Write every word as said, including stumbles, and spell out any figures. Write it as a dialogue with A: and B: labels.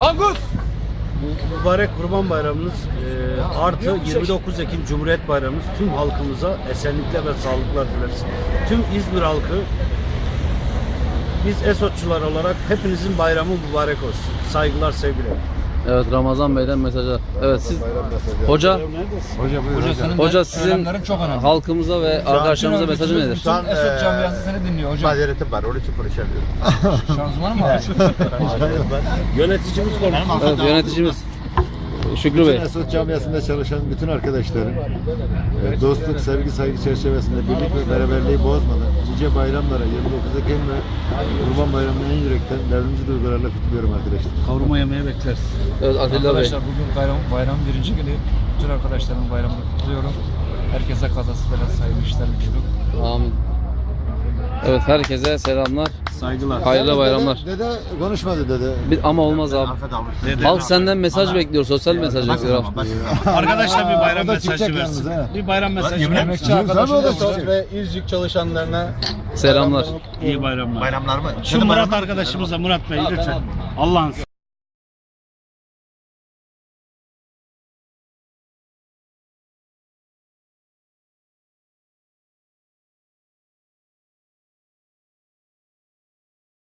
A: Angus!
B: Bu mübarek Kurban Bayramımız e, artı yirmi dokuz Ekim Cumhuriyet Bayramımız tüm halkımıza esenlikler ve sağlıklar dileriz. Tüm İzmir halkı, biz Esotçular olarak hepinizin bayramı mübarek olsun. Saygılar, sevgiler.
C: Evet, Ramazan Bey'den mesajlar. Evet, siz hoca
D: Hoca buyur hocam.
C: hoca sizin
A: çok önemli.
C: halkımıza ve arkadaşlarımıza mesajı nedir?
D: Şu an
A: Esot camiası seni dinliyor hocam.
D: mazeretim var, onun için konuşamıyorum.
A: Şanzıman mı var?
B: Yöneticimiz konuşsun.
C: Evet, yöneticimiz Şükrü
D: Bütün
C: Bey.
D: Esot camiasında çalışan bütün arkadaşlarım e, dostluk, sevgi, saygı çerçevesinde birlik ve beraberliği bozmadan nice bayramlara yirmi dokuz Ekim ve Kurban Bayramı'nı en yürekten derdimizi duygularla kutluyorum arkadaşlar.
B: Kavurma yemeye bekleriz.
C: Evet, Atilla Bey.
A: Arkadaşlar bugün bayram, bayram birinci günü. Bütün arkadaşlarımın bayramını kutluyorum. Herkese kazası belası hayırlı işler diliyorum.
C: Amin. Evet, herkese selamlar.
B: Saygılar.
C: Hayırlı bayramlar.
D: Dede, dede konuşmadı dede.
C: Bir, ama olmaz abi. Halk senden mesaj bekliyor, sosyal mesaj bekliyor.
B: Arkadaşlar bir bayram
D: O da
B: mesajı
D: çıkacak
B: versin.
D: yalnız, ha.
B: Bir bayram mesajı versin.
A: Emekçi arkadaşım da
D: Esot
A: ve
D: İzcik çalışanlarına
C: Selamlar.
B: İyi bayramlar.
D: bayramlar mı?
B: Şu Murat arkadaşımıza, Murat Bey lütfen. Allah'ın